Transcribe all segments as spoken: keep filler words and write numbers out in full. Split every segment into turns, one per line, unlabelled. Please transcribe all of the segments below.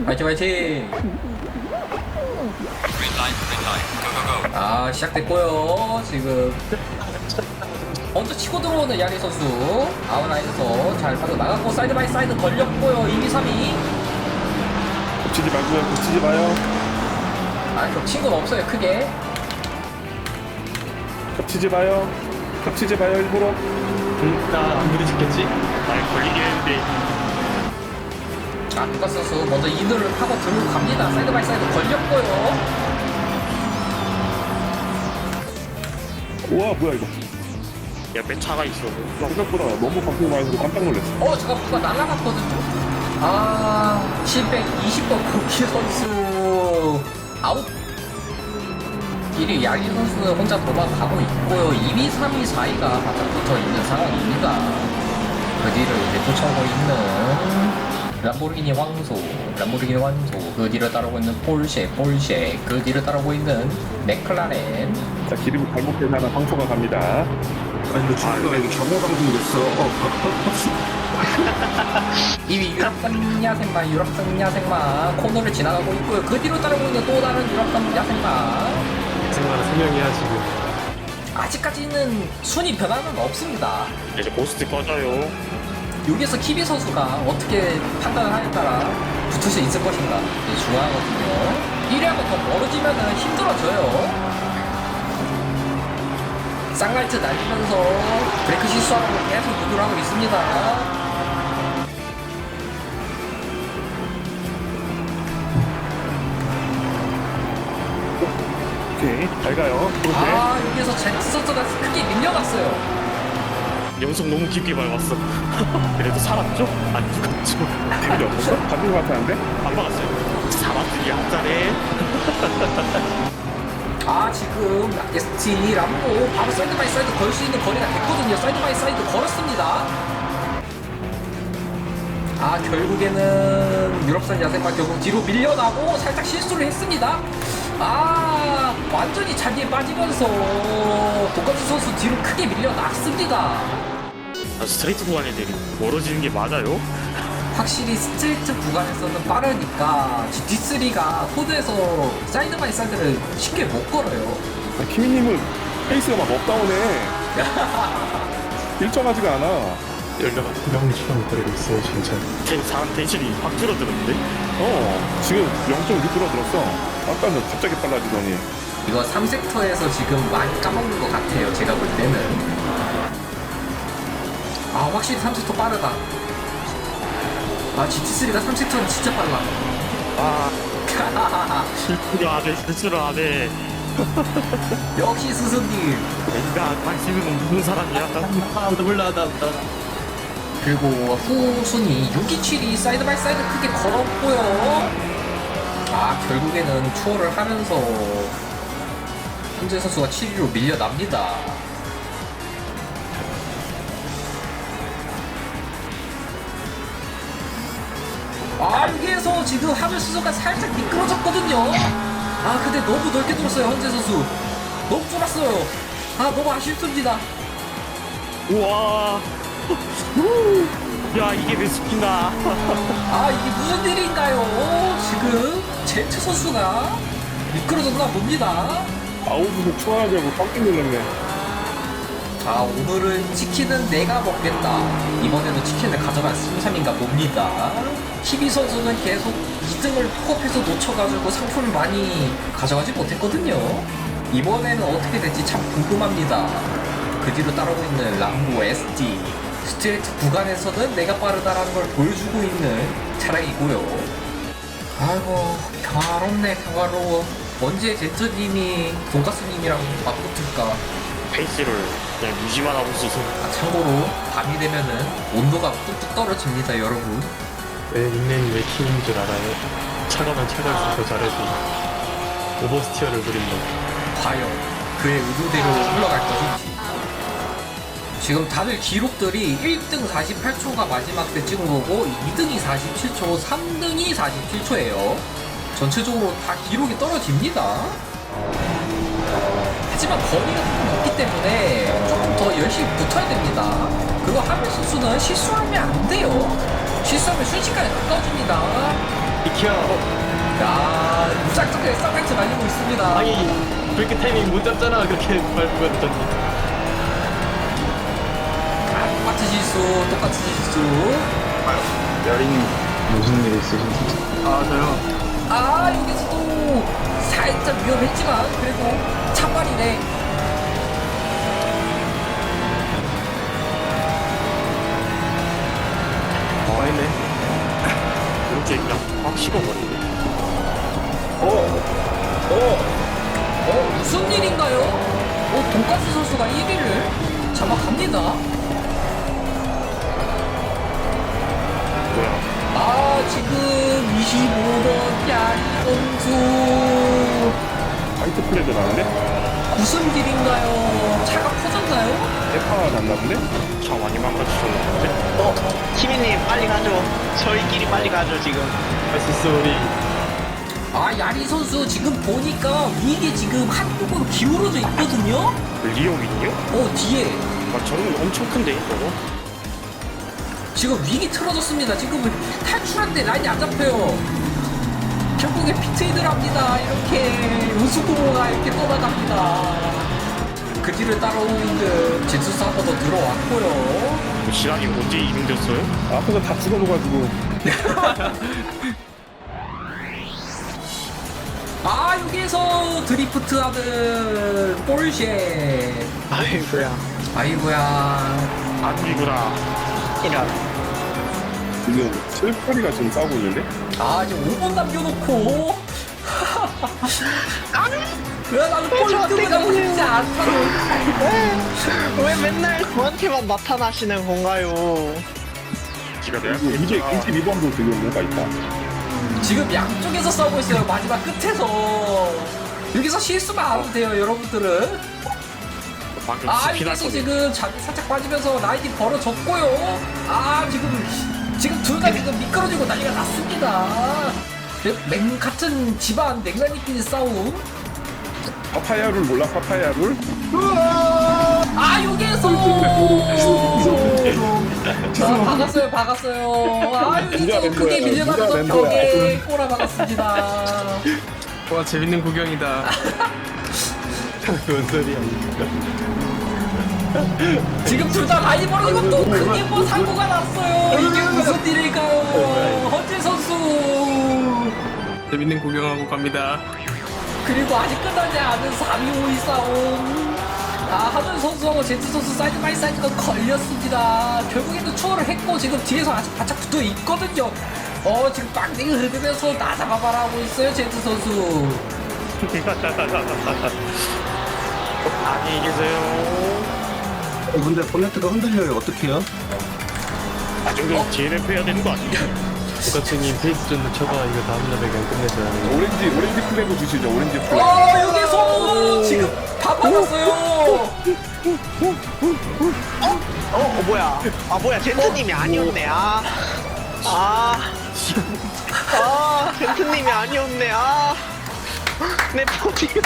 화이팅 화이팅. 아 시작됐고요. 지금 먼저 치고 들어오는 야리 선수 아웃라인에서 잘 빠져 나갔고 사이드 바이 사이드 걸렸고요. 이, 삼, 이.
겹치지 말고요. 겹치지 마요.
아 겹친 건 없어요 크게.
겹치지 마요. 겹치지 마요 일부러.
음, 나안 부딪혔겠지? 날 걸리긴 했는데.
아 루카스 선수 먼저 이늘을 파고 들고 갑니다. 사이드 바이 사이드 걸렸고요.
우와 뭐야 이거.
옆에 차가 있어.
생각보다 너무 방송 많이 해서 깜짝 놀랐어.
어 잠깐 누가 날아갔거든요. 아 칠백이십 번 고키 선수 아웃. 일 위 야리 선수는 혼자 도망가고 있고요. 이 위, 삼 위, 사 위가 바짝 붙어있는 상황입니다. 그 뒤를 이제 쫓아오고 있는 람보르기니 황소, 람보르기니 황소, 그 뒤를 따르고 있는 폴쉐, 폴쉐, 그 뒤를 따르고 있는 맥클라렌.
자 기름이 잘못된 하나 황소가 갑니다.
아니 근데 주가 이거 경호 방송이 됐어.
이 위 유럽산 야생마, 유럽산 야생마 코너를 지나가고 있고요. 그 뒤로 따르고 있는 또 다른 유럽산 야생마.
생각은 세 명이야 지금.
아직까지는 순위 변화는 없습니다.
이제 고스트 꺼져요.
여기서 키비 선수가 어떻게 판단을 하에 따라 붙을 수 있을 것인가 이게 중요하거든요. 일 위하고 더 멀어지면 힘들어져요. 쌍라이트 날리면서 브레이크 실수하고 계속 누구를 하고 있습니다.
오케이 잘 가요. 그렇게.
아 여기서 잭스 선수가 크게 밀려갔어요.
연속 너무 깊게 밟았어. 그래도 살았죠? 안 죽었죠?
데미지 없었어? 받은 것 같았는데?
안 박았어요. 사막들이 앞자네.
아 지금 에스티 람보 바로 사이드 바이 사이드 걸 수 있는 거리가 됐거든요. 사이드 바이 사이드 걸었습니다. 아 결국에는 유럽산 야생마 결국 뒤로 밀려나고 살짝 실수를 했습니다. 아 완전히 자기에 빠지면서 독감수 선수 뒤로 크게 밀려났습니다.
아, 스트레이트 구간에 내리 멀어지는 게 맞아요?
확실히 스트레이트 구간에서는 빠르니까 지티쓰리가 코드에서 사이드 바이 사이드를 쉽게 못 걸어요.
아, 키미님은 페이스가 막 업다운해. 일정하지가 않아.
열려가 투명처럼 거리고 있어요 진짜. 텐, 사람 텐션이 확 줄어들었는데?
어 지금 영 점 육 줄어들었어. 아까는 갑자기 빨라지더니.
이거 삼 섹터에서 지금 많이 까먹는 것 같아요. 제가 볼 때는. 아 확실히 삼 섹터 빠르다. 아 지티쓰리가 삼 섹터는 진짜 빨라.
아 실수를 안해 실수를 안해.
역시 스승님.
내가 관심은 없는 사람이야.
아무도 몰라 나, 나.
그리고 후순위 육 위, 칠 위 사이드 바이 사이드 크게 걸었고요. 아 결국에는 추월을 하면서 현재 선수가 칠 위로 밀려납니다. 아 여기에서 지금 하늘 수소가 살짝 미끄러졌거든요. 아 근데 너무 넓게 돌았어요. 현재 선수 너무 쫄았어요. 아 너무 아쉽습니다.
우와. 야 이게 내 스킨가.
아 이게 무슨 일인가요? 지금 제트 선수가 미끄러졌나 봅니다.
아웃으로 추월하자고 깜짝 놀랐네.
자 오늘은 치킨은 내가 먹겠다. 이번에는 치킨을 가져갈 승삼인가 봅니다. 키비 선수는 계속 이 등을 픽업해서 놓쳐가지고 상품을 많이 가져가지 못했거든요. 이번에는 어떻게 될지 참 궁금합니다. 그 뒤로 따르고 있는 람보 에스티 스트레이트 구간에서는 내가 빠르다라는 걸 보여주고 있는 차량이고요. 아이고 평화롭네 평화로워. 언제 제트님이 돈가스님이랑 맞붙을까.
페이스를 그냥 유지만 하고 있어서.
아, 참고로 밤이 되면은 온도가 뚝뚝 떨어집니다 여러분.
왜 닉네임이 왜 키인 줄 알아요? 차가면 차가 있어서 잘해도 오버스티어를 부린다.
과연 그의 의도대로 흘러갈 것인지. 지금 다들 기록들이 일 등 사십팔 초가 마지막 때 찍은 거고 이 등이 사십칠 초, 삼 등이 사십칠 초예요. 전체적으로 다 기록이 떨어집니다. 하지만 거리가 조금 있기 때문에 조금 더 열심히 붙어야 됩니다. 그리고 하멜 선수는 실수하면 안 돼요. 실수하면 순식간에 가까워집니다.
이 비켜.
야, 무작정 쌍파이트 날리고 있습니다.
아니 브레이크 타이밍 못 잡잖아. 그렇게 밟으면 전.
똑같은 실수, 똑같은 실수.
여린 무슨 일 있으신지.
아 저요.
아, 여기서도 살짝 위험했지만 그래도 참말이네.
어 있네. 이렇게 그냥 확 식어버리네.
어, 무슨 일인가요? 어, 돈가스 선수가 일 위를 잡아갑니다.
뭐야?
아, 지금 이십오 번 야리 선수.
화이트 플래그 나는데?
무슨 일인가요? 차가 터졌나요?
대파 났나 본데?
차 많이 망가지셨는데?
어, 키미님 빨리 가죠. 저희끼리 빨리 가죠 지금.
할 수 있어 우리.
아, 야리 선수 지금 보니까 위에 지금 한쪽으로 기울어져 있거든요?
리오민이요?
어, 뒤에.
아 저는 엄청 큰데 저거?
지금 위기 틀어졌습니다. 지금 탈출하는데 라인이 안 잡혀요. 결국에 피트이드를 합니다. 이렇게 우수고가 이렇게 떠나갑니다. 그 뒤를 따라오고 있는 제수스 한 번 더 들어왔고요.
시간이 언제 이동됐어요?
앞에서 다 죽어놓가지고.
아, 여기에서 드리프트하는 볼쉐.
아이고야.
아이고야.
안기구나.
이런.
지금 칠파리가 지금 싸우고 있는데?
아, 이제 오 분 남겨놓고. 왜 나는 꼴등을 가고 싶지 않다고.
왜 맨날 저한테만 나타나시는 건가요?
기가 내가
그리고 이제 이십이 번도 지금 뭔가 있다.
지금 양쪽에서 싸우고 있어요. 마지막 끝에서. 여기서 실수만 안 하면 돼요, 여러분들은.
방금
아,
스피드
여기서
할
지금 잠이 살짝 빠지면서 라인이 벌어졌고요. 아, 지금 지금 둘 다 지금 미끄러지고 난리가 났습니다. 맹 같은 집안 냉면이끼리 싸움.
파파야 룰 몰라? 파파야 룰?
아, 여기에서 아, 박았어요, 박았어요. 아,
누가
여기서
낸
크게
거야?
밀려나면서
누가 낸 거야?
벽에 꼬라 박았습니다.
와 재밌는 구경이다. 뭔 소리야?
지금 둘 다 라인 벌어지고 또 크게 뭐 사고가 났어요. 이게 무슨 일일까요? 헌재 선수.
재밌는 구경하고 갑니다.
그리고 아직 끝나지 않은 삼 위 오 위 싸움. 아, 하준 선수하고 제트 선수 사이드 바이 사이드가 걸렸습니다. 결국에는 추월을 했고 지금 뒤에서 아직 바짝 붙어 있거든요. 어, 지금 빵댕이 흐르면서 나 잡아봐라 하고 있어요, 제트 선수.
안녕히 계세요.
어, 근데 보네트가 흔들려요. 어떡해요?
아 정도 디엔에프 해야 되는 거 아니야?
똑같이 페이스 좀 쳐봐. 이거 다음 날에 그냥 끝내자.
오렌지, 오렌지 플래그 주시죠, 오렌지 플래그.
어, 여기서 지금 다 받았어요.
어, 어 뭐야? 아 뭐야? 젠트님이 아니었네. 아, 아, 아, 젠트님이 아니었네. 아, 내 포디움.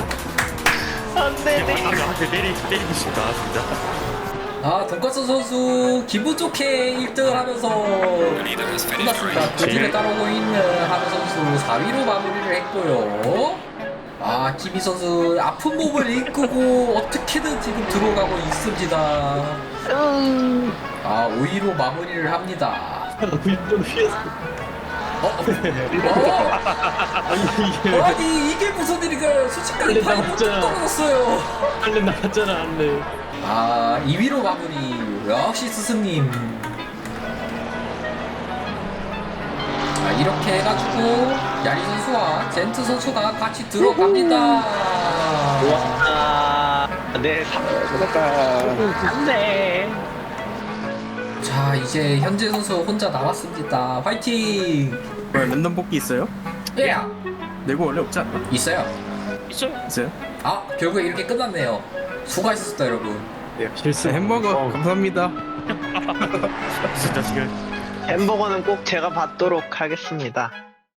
안돼, 네.
나한테 때리 때리고 싶다 진짜.
아, 돈가스 선수 기분 좋게 일 등을 하면서 끝났습니다. 그 뒤를 따르고 있는 하루 선수 사 위로 마무리를 했고요. 아, 김희 선수 아픈 몸을 이끌고 어떻게든 지금 들어가고 있습니다. 아, 오 위로 마무리를 합니다.
굴좀 피했어.
어? 어? 아니, 이게 무슨 일인가요? 순식간에
원래
팔이
나왔잖아.
떨어졌어요.
할래 나갔잖아 할래.
아, 이 위로 마무리. 역시 스승님. 자, 이렇게 해가지고 야리 선수와 젠트 선수가 같이 들어갑니다.
아, 네, 안돼.
자, 이제 현재 선수 혼자 남았습니다. 화이팅!
뭐야 랜덤 뽑기 있어요?
예!
내고 원래 없지 않나?
있어요.
있어요?
있어요?
아, 결국에 이렇게 끝났네요. 수고하셨습니다, 여러분.
실수.
네, 햄버거 감사합니다.
진짜 지금
햄버거는 꼭 제가 받도록 하겠습니다.